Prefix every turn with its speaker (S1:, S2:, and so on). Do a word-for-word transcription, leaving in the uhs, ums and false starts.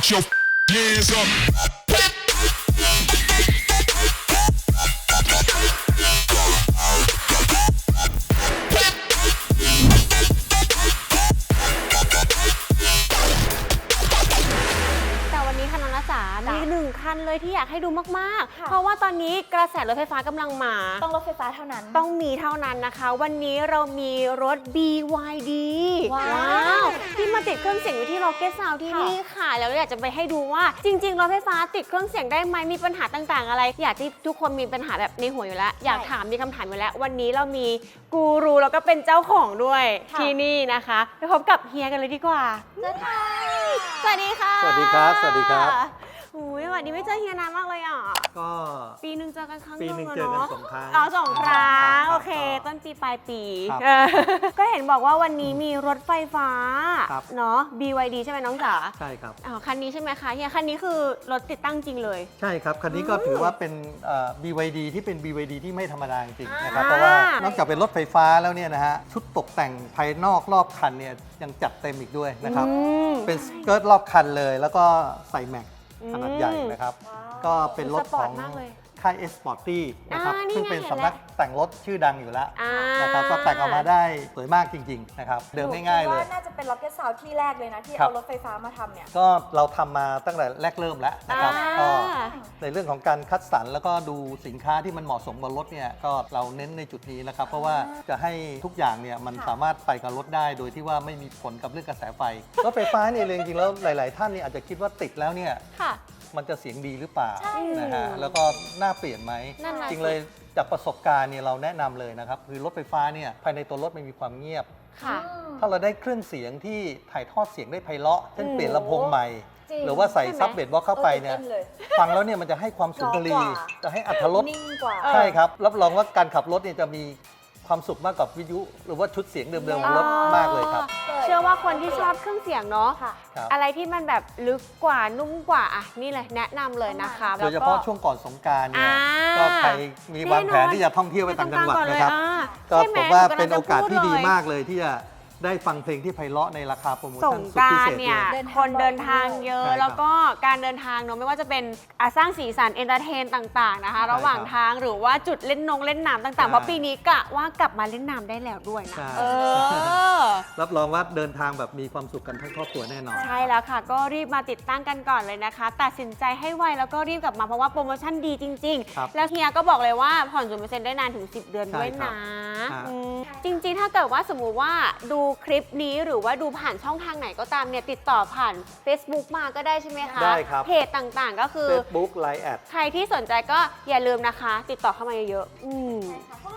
S1: Put your hands up.
S2: มีหนึ่งคันเลยที่อยากให้ดูมากๆเพราะว่าตอนนี้กระแสรถไฟฟ้ากำลังมา
S3: ต้องรถไฟฟ้าเท่านั้น
S2: ต้องมีเท่านั้นนะคะวันนี้เรามีรถ บี วาย ดี
S3: ว้าว
S2: ที่มาติดเครื่องเสียงอยู่ที่ Rocket Sound ที่นี่ค่ะแล้วอยากจะไปให้ดูว่าจริงๆรถไฟฟ้าติดเครื่องเสียงได้ไหมมีปัญหาต่างๆอะไรอยากที่ทุกคนมีปัญหาแบบในหัวอยู่แล้วอยากถามมีคำถามอยู่แล้ววันนี้เรามีกูรูแล้วก็เป็นเจ้าของด้วยที่นี่นะคะไปพบกับเฮียกันเลยดีกว่าสวัสดีค่ะ
S4: สวัสดีครับสวัสดีครับ
S2: อุ้ยวันนี้ไม่เจอเฮียนานมากเลยอ่ะ
S4: ก็
S2: ปีหนึ่งเจอกันครั้ง
S4: ปีหนึ่งเจอกันสองครั้ง
S2: อ๋อสองครั้งโอเคต้นปีปลายปีก็เห็นบอกว่าวันนี้มีรถไฟฟ้าเนาะ บี วาย ดี ใช่ไหมน้องจ๋า
S4: ใช่ครับ
S2: อ๋อคันนี้ใช่ไหมคะเฮียคันนี้คือรถติดตั้งจริงเลย
S4: ใช่ครับคันนี้ก็ถือว่าเป็น บี วาย ดี ที่เป็น บี วาย ดี ที่ไม่ธรรมดาจริงๆนะครับเพราะว่านอกจากเป็นรถไฟฟ้าแล้วเนี่ยนะฮะชุดตกแต่งภายนอกรอบคันเนี่ยยังจัดเต็มอีกด้วยนะครับเป็นสเกิร์ตรอบคันเลยแล้วก็ใส่แม็กขนาดใหญ่นะครับก็เป็นรถของค่าย เอส Sporty นะครับซึ่งเป็นสำนักแต่งรถชื่อดังอยู่แล้วนะครับก็แต่งออกมาได้สวยมากจริงๆนะครับเดิมง่ายๆเลย
S3: ว่าน่าจะเป็น Rocket Sound ที่แรกเลยนะที่เอารถไฟฟ้ามาทำเนี่ย
S4: ก็เราทำมาตั้งแต่แรกเริ่มแล้วนะครับก็ในเรื่องของการคัดสรรแล้วก็ดูสินค้าที่มันเหมาะสมกับรถเนี่ยก็เราเน้นในจุดนี้นะครับเพราะว่าจะให้ทุกอย่างเนี่ยมันสามารถไปกับรถได้โดยที่ว่าไม่มีผลกับเรื่องกระแสไฟรถไฟฟ้าเนี่ยจริงๆแล้วหลายๆท่านเนี่ยอาจจะคิดว่าติดแล้วเนี่ยมันจะเสียงดีหรือเปล่านะฮะแล้วก็น่าเปลี่ยนไหมจริงเลยจากประสบการณ์เนี่ยเราแนะนำเลยนะครับคือรถไฟฟ้าเนี่ยภายในตัวรถมันมีความเงียบถ้าเราได้เครื่องเสียงที่ถ่ายทอดเสียงได้ไพเราะเช่นเปลี่ยนลำโพงใหม่หรือว่าใส่ซับเบสบ็อกเข้าไปเนี่ยฟังแล้วเนี่ยมันจะให้ความสุนทรีจะให้อรรถรสใช่ครับรับรองว่าการขับรถเนี่ยจะมีความสุขมากกว่าวิทยุหรือว่าชุดเสียงเดิมๆของรถมากเลยครับ
S2: เชื่อว่าคนที่ชอบเครื่องเสียงเนาะอะไรที่มันแบบลึกกว่านุ่มกว่าอ่ะนี่เลยแนะนำเลยนะคะ
S4: โดยเฉพาะช่วงก่อนสงกรานต์เนี่ยก็ใครมีวางแผนที่จะท่องเที่ยวไปต่างจังหวัดนะครับก็ผมว่าเป็นโอกาสที่ดีมากเลยที่จะได้ฟังเพลงที่ไพเราะในราคาโปรโมชั่นสุดพิเศษเนี่ย
S2: คนเดินทางเยอะแล้วก็การเดินทางเนาะไม่ว่าจะเป็นสร้างสีสันเอนเตอร์เทนต่างๆนะคะระหว่างทางหรือว่าจุดเล่นนงเล่นน้ำต่างๆเพราะปีนี้กะว่ากลับมาเล่นน้ำได้แล้วด้วยนะเออ
S4: รับรองว่าเดินทางแบบมีความสุขกันทั้งครอบครัวแน่นอน
S2: ใช่แล้วค่ะก็รีบมาติดตั้งกันก่อนเลยนะคะตัดสินใจให้ไวแล้วก็รีบกลับมาเพราะว่าโปรโมชั่นดีจริงๆแล้วเฮียก็บอกเลยว่าผ่อนศูนย์เปอร์เซ็นต์ได้นานถึงสิบเดือนด้วยนะจริงๆถ้าเกิดว่าสมมุติว่าดูคลิปนี้หรือว่าดูผ่านช่องทางไหนก็ตามเนี่ยติดต่อผ่าน Facebook มาก็ได้ใช่ไหมคะ
S4: ได้ครับ
S2: เพจต่างๆก็คือ
S4: Facebook ไลน์ แอด
S2: ใครที่สนใจก็อย่าลืมนะคะติดต่อเข้ามาเยอะๆอืม
S3: พวก